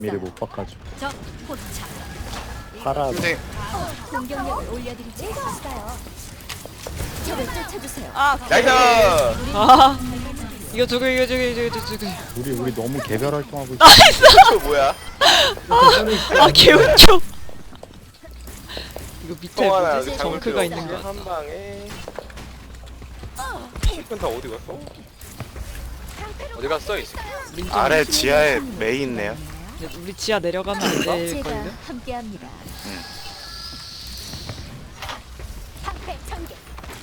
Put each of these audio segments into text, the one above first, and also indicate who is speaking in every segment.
Speaker 1: 미리 못 바꿔주고
Speaker 2: 적 포착.
Speaker 1: 파라
Speaker 3: 근데
Speaker 2: 공격력을 올려드리지 않았어요. 적을 쫓아주세요.
Speaker 3: 나이스!
Speaker 4: 아 이거 저거
Speaker 1: 우리 너무 개별 활동하고 있어.
Speaker 3: 저 뭐야?
Speaker 4: 아 개운초 이거 밑에
Speaker 3: 또 하나
Speaker 4: 뭐지? 정크가 있는 거
Speaker 3: 한 방에 이건 다 어디 갔어? 어디 갔어 이 새끼?
Speaker 5: 아래 지하에 메이 있네요.
Speaker 4: 우리 지하 내려가면 안
Speaker 2: 제가
Speaker 4: 될걸요?
Speaker 2: 함께합니다. 방패 전개.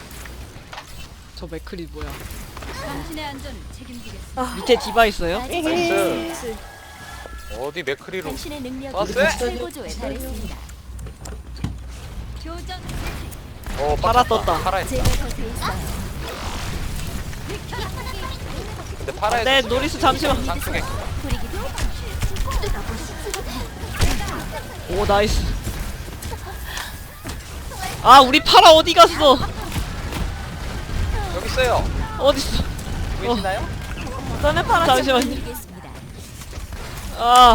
Speaker 4: 저 맥클이 뭐야
Speaker 2: 당신의 안전을 책임지겠습니다.
Speaker 4: 밑에 디바 있어요?
Speaker 3: 나이스. 어디 맥크리로
Speaker 2: 당신의 능력이
Speaker 3: 왔어요?
Speaker 2: 최고조에 달했습니다. 교전
Speaker 4: 파라 떴다.
Speaker 3: 파라 했다.
Speaker 2: 제가 곁에 있어요.
Speaker 3: 근데 파라
Speaker 4: 네 노리스 잠시만
Speaker 3: 장쪽에
Speaker 2: 부리기도
Speaker 4: 오 나이스 아 우리 파라 어디 갔어
Speaker 3: 여기 있어요.
Speaker 4: 어딨어
Speaker 3: 보이시나요?
Speaker 4: 너네 파라 잠시만요
Speaker 2: 드리겠습니다.
Speaker 4: 아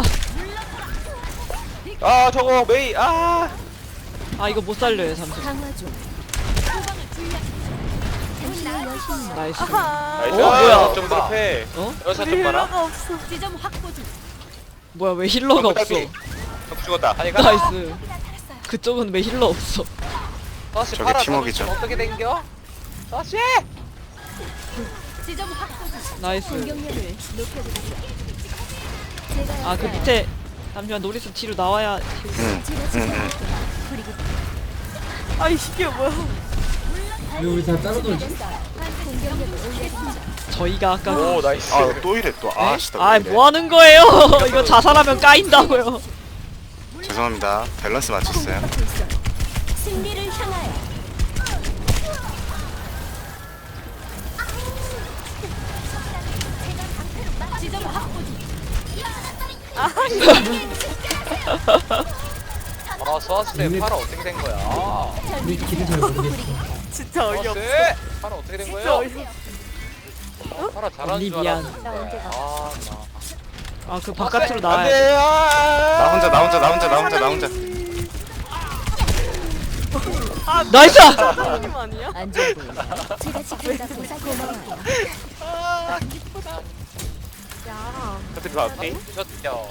Speaker 3: 아 저거 메이 아
Speaker 4: 이거 못 살려요 잠시만
Speaker 2: 강화 중. 당신의 여신이
Speaker 4: 나이스
Speaker 3: 나이스.
Speaker 4: 뭐야?
Speaker 3: 좀 더 패.
Speaker 4: 어?
Speaker 3: 여사 좀 봐라.
Speaker 2: 지점 확보 중.
Speaker 4: 뭐야 왜 힐러가 없어
Speaker 3: 적 죽었다. 아니 가.
Speaker 4: 나이스 그쪽은 왜 힐러 없어
Speaker 3: 다시
Speaker 5: 저게
Speaker 3: 파라
Speaker 5: 팀워크죠.
Speaker 3: 어떻게 된겨? 다시.
Speaker 2: 지점 확보 중.
Speaker 4: 나이스
Speaker 2: 공격력을 높여드리죠. 제가
Speaker 4: 아 그
Speaker 2: 왔어요.
Speaker 4: 밑에 잠시만 노리스 뒤로 나와야
Speaker 2: 제가 지켜볼게요. 부리기도
Speaker 4: 아이 이게 뭐야
Speaker 6: 왜 우리 다 따로 놀지?
Speaker 2: 공격력을 올려드리죠.
Speaker 4: 저희가 아까
Speaker 3: 오 나이스.
Speaker 5: 아 또 이래 또. 아 진짜. 왜 이래.
Speaker 4: 뭐 하는 거예요 이거 자살하면 까인다고요
Speaker 5: 죄송합니다. 밸런스 맞췄어요.
Speaker 2: 공격받고 있어요. 승리를 향하여. 지점 확보 중.
Speaker 3: 아 소아스테 파라 어떻게 된 거야? 아,
Speaker 6: 우리 길을 잘 모르겠어.
Speaker 4: 진짜
Speaker 3: 소아스테 파라 어떻게 된 거예요? 파라 잘하는
Speaker 4: 언니
Speaker 3: 줄
Speaker 4: 미안.
Speaker 3: 알았는데.
Speaker 4: 아 그 바깥으로 나와야
Speaker 3: 안돼.
Speaker 4: 돼
Speaker 5: 나 혼자.
Speaker 4: 나이스
Speaker 2: 안 좋아 보여. 제가 지킨다고 고마워요.
Speaker 3: 어떻게 앞에 셨죠?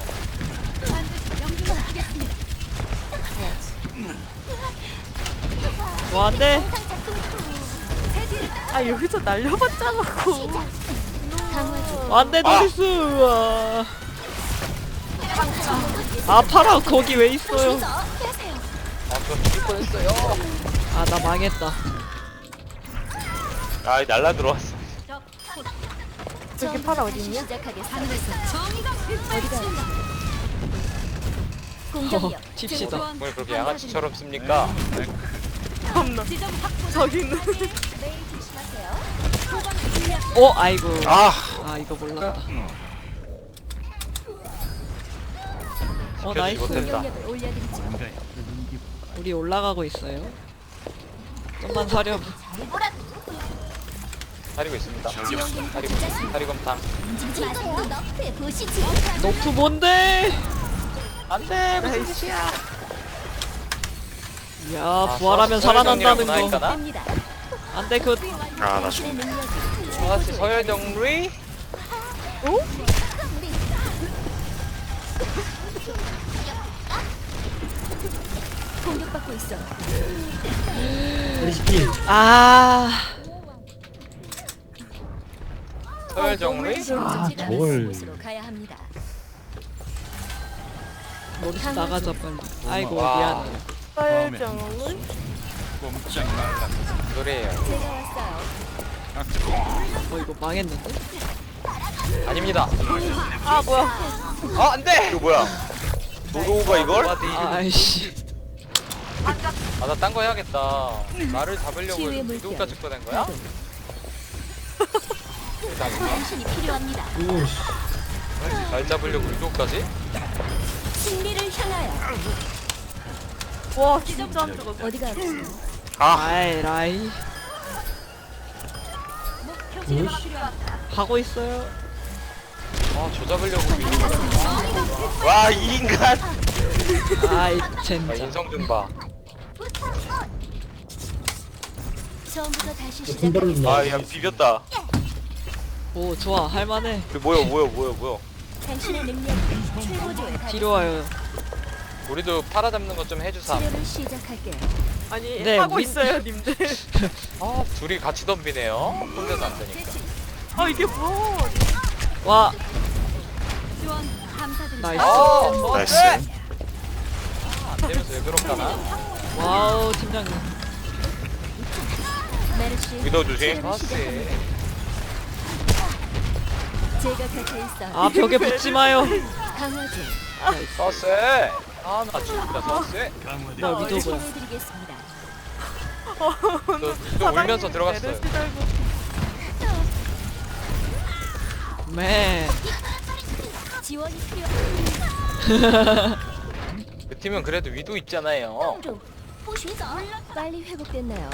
Speaker 4: 뭐 안돼
Speaker 2: 강화 중.
Speaker 4: 안돼 노리스 우와. 아 파라 거기 왜 있어요
Speaker 3: 아저 죽을 뻔했어요.
Speaker 4: 아 나 망했다
Speaker 3: 아 날라 들어왔어.
Speaker 2: 저기 파라 어디 있냐? 시작하겠습니다. 어디가? 공격력.
Speaker 4: 팁시다
Speaker 3: 뭘 그렇게 양아치처럼 씁니까?
Speaker 2: 지점 확보. 저기 있는. 매일 조심하세요.
Speaker 4: 아이고
Speaker 5: 아
Speaker 4: 이거 몰랐다
Speaker 3: 지켜주지
Speaker 4: 나이스
Speaker 3: 못했다.
Speaker 2: 공격력을 올려드리죠.
Speaker 4: 우리 올라가고 있어요 좀만 사려
Speaker 3: 사리고 있습니다.
Speaker 2: 지원금
Speaker 3: 사리곰탕.
Speaker 2: 움직이지 마세요. 너프에 보시지.
Speaker 4: 너프 뭔데
Speaker 3: 안돼 무슨 짓이야?
Speaker 4: 야 부활하면 살아난다는 거
Speaker 2: 됩니다.
Speaker 4: 안돼 그
Speaker 5: 아, 나
Speaker 2: 당신의 능력이
Speaker 3: 저같이 서열 정리?
Speaker 2: 공격받고 있어.
Speaker 6: 우리 시키.
Speaker 3: 서열 정리?
Speaker 1: 저걸.
Speaker 2: 곳으로 가야 합니다.
Speaker 4: 노리스 나가자 빨리 아이고
Speaker 3: 와.
Speaker 4: 미안해
Speaker 3: 노래예요.
Speaker 2: 제가 왔어요.
Speaker 4: 이거 망했는데
Speaker 3: 아닙니다.
Speaker 4: 뭐야
Speaker 3: 아 안돼. 이거 뭐야? 노도우가 이걸?
Speaker 4: 아이씨
Speaker 3: 아나 딴 거 해야겠다. 나를 잡으려고
Speaker 2: 치유의 물결.
Speaker 3: 누구까지 꺼낸 거야?
Speaker 2: 당신이 필요합니다.
Speaker 6: 오씨.
Speaker 3: 날 잡으려고 누구까지?
Speaker 2: 승리를 향하여.
Speaker 4: 와 진짜 안 죽었어
Speaker 2: 어디가 아프세요?
Speaker 4: 아이 라이
Speaker 2: 목표 지점이 필요합니다.
Speaker 4: 가고 있어요
Speaker 3: 아, 저 잡으려고. 와, 이 인간.
Speaker 4: 아이
Speaker 3: 아,
Speaker 4: 젠장.
Speaker 3: 인성 좀 봐.
Speaker 2: 처음부터 다시
Speaker 6: 군발로
Speaker 2: 시작.
Speaker 3: 아, 야, 비볐다.
Speaker 4: 오 좋아 할만해.
Speaker 3: 그 뭐야.
Speaker 2: 당신의 능력이 최고조에
Speaker 4: 뒤로 와요.
Speaker 3: 우리도 팔아 잡는 것 좀 해주사.
Speaker 2: 치료를 시작할게요.
Speaker 4: 아니 네, 하고 있어요 님들.
Speaker 3: 아, 둘이 같이 덤비네요. 혼자서 안 되니까.
Speaker 4: 아 이게 뭐? 와
Speaker 2: 지원 감사드립니다.
Speaker 4: 나이스.
Speaker 3: 아,
Speaker 5: 나이스.
Speaker 3: 안 되면서 왜 그럴까나?
Speaker 4: 와우 팀장님.
Speaker 2: 메르시.
Speaker 3: 위도 조심.
Speaker 2: 치료를
Speaker 3: 아,
Speaker 2: 시작합니다. 제가 곁에 있어.
Speaker 4: 아 벽에 붙지 마요.
Speaker 2: 강화주.
Speaker 3: 서세. 아, 나 죽는다, 서세.
Speaker 4: 나 위도 뭐야?
Speaker 2: 치료해드리겠습니다.
Speaker 3: 너 울면서 들어갔어요.
Speaker 4: 맨.
Speaker 2: 지원이 필요.
Speaker 3: 그 팀은 그래도 위도 있잖아요.
Speaker 2: 좀 보시죠. 빨리 회복됐나요?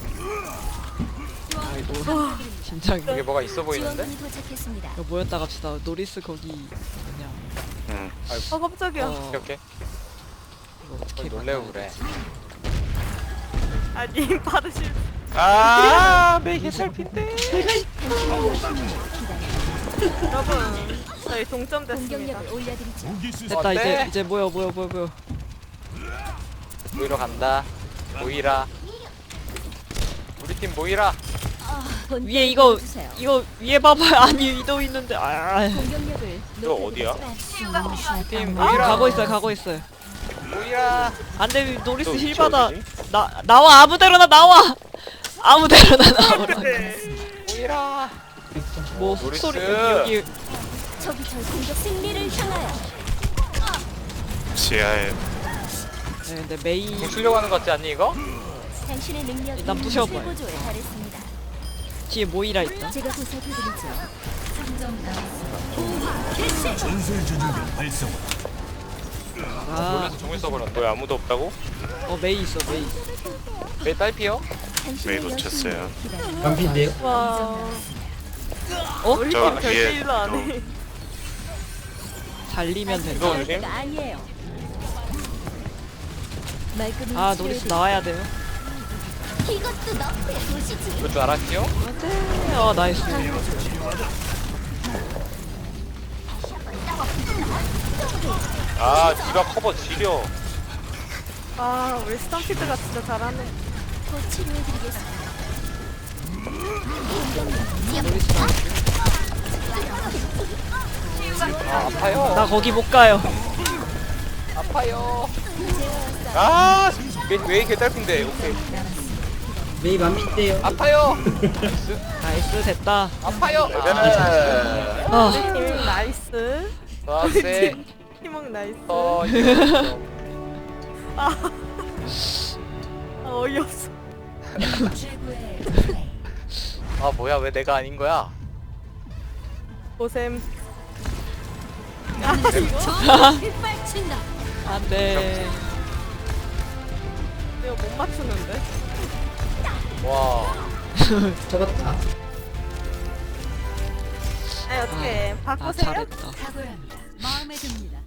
Speaker 4: 팀장님.
Speaker 3: 이게 뭐가 있어 보이는데?
Speaker 2: 지원군이 도착했습니다.
Speaker 4: 이거 모였다 갑시다. 노리스 거기 그냥.
Speaker 5: 응.
Speaker 4: 아 깜짝이야.
Speaker 3: 이렇게
Speaker 4: 이거 어떻게
Speaker 3: 놀래고
Speaker 4: 막아야
Speaker 3: 그래.
Speaker 4: 아니 받으실.
Speaker 3: 아, 매개 살핀데.
Speaker 4: 여러분 저희 동점 됐습니다.
Speaker 2: 공격력을 올려드리죠.
Speaker 4: 됐다
Speaker 3: 어때?
Speaker 4: 이제 모여.
Speaker 3: 모이러 간다. 모이라. 우리 팀 모이라.
Speaker 2: 본때를
Speaker 4: 위에 이거
Speaker 2: 주세요.
Speaker 4: 이거 위에 봐봐요. 아니 위도 있는데. 아.
Speaker 2: 공격력을
Speaker 3: 너 어디야? 팀
Speaker 4: 아,
Speaker 3: 모이라.
Speaker 4: 가고 있어요.
Speaker 3: 모이라.
Speaker 4: 안돼 노리스
Speaker 3: 너
Speaker 4: 힐
Speaker 3: 위치
Speaker 4: 받아.
Speaker 3: 어디지?
Speaker 4: 나와 아무데로나 나와. 아무데로나 나오라.
Speaker 3: 모이라.
Speaker 4: 뭐
Speaker 3: 노리스.
Speaker 4: 훅소리 여기
Speaker 2: 저기 절 공격 승리를 향하여.
Speaker 5: 지하에
Speaker 4: 네, 근데 메이
Speaker 3: 공 쓰려고 하는 거 같지 않니 이거?
Speaker 2: 당신의 능력이
Speaker 4: 일단 부셔봐요.
Speaker 2: 최고조에 달했습니다.
Speaker 4: 뒤에 모이라 있다.
Speaker 2: 제가 보살펴드리죠.
Speaker 4: 아,
Speaker 3: 놀라서 종을 써버렸네. 왜 아무도 없다고?
Speaker 4: 메이 있어 메이.
Speaker 3: 왜 딸피요?
Speaker 2: 당신의
Speaker 5: 메이 놓쳤어요.
Speaker 2: 여신을 기다려.
Speaker 6: 반피인데요?
Speaker 4: 와. 우리
Speaker 5: 저
Speaker 4: 팀
Speaker 5: 위에
Speaker 4: 절대 일로 안 해. 살리면 된다.
Speaker 3: 이거 조심.
Speaker 2: 때가 아니에요. 말끔히
Speaker 4: 아 노리스
Speaker 2: 치료해드리-
Speaker 4: 나와야 돼요.
Speaker 2: 이것도 너프에 보시지.
Speaker 3: 이럴 줄 알았지요?
Speaker 4: 안돼. 나이스.
Speaker 3: 아, 디바 커버 지려.
Speaker 4: 아 우리 스tam피드가 진짜 잘하네.
Speaker 2: 곧 치료해드리겠습니다.
Speaker 4: 노리스
Speaker 3: 아, 아파요.
Speaker 4: 나 거기 못 가요.
Speaker 3: 아파요. 아, 왜 이렇게 딸핀데? 오케이.
Speaker 6: 메이 반피인데요?
Speaker 3: 아파요.
Speaker 4: 나이스 됐다.
Speaker 3: 아파요.
Speaker 4: 아
Speaker 7: 팀 나이스.
Speaker 3: 서세.
Speaker 7: 팀원 나이스.
Speaker 3: 이거.
Speaker 7: 어이없어.
Speaker 3: 아, 뭐야? 왜 내가 아닌 거야?
Speaker 7: 고샘.
Speaker 2: 빗발친다.
Speaker 4: 안돼.
Speaker 7: 이거 못 맞추는데?
Speaker 3: 와.
Speaker 6: 잡았다.
Speaker 7: 아니 어떻게
Speaker 4: 아
Speaker 7: 바꾸세요?
Speaker 4: 잘했다.
Speaker 2: 각오합니다. 마음에 듭니다.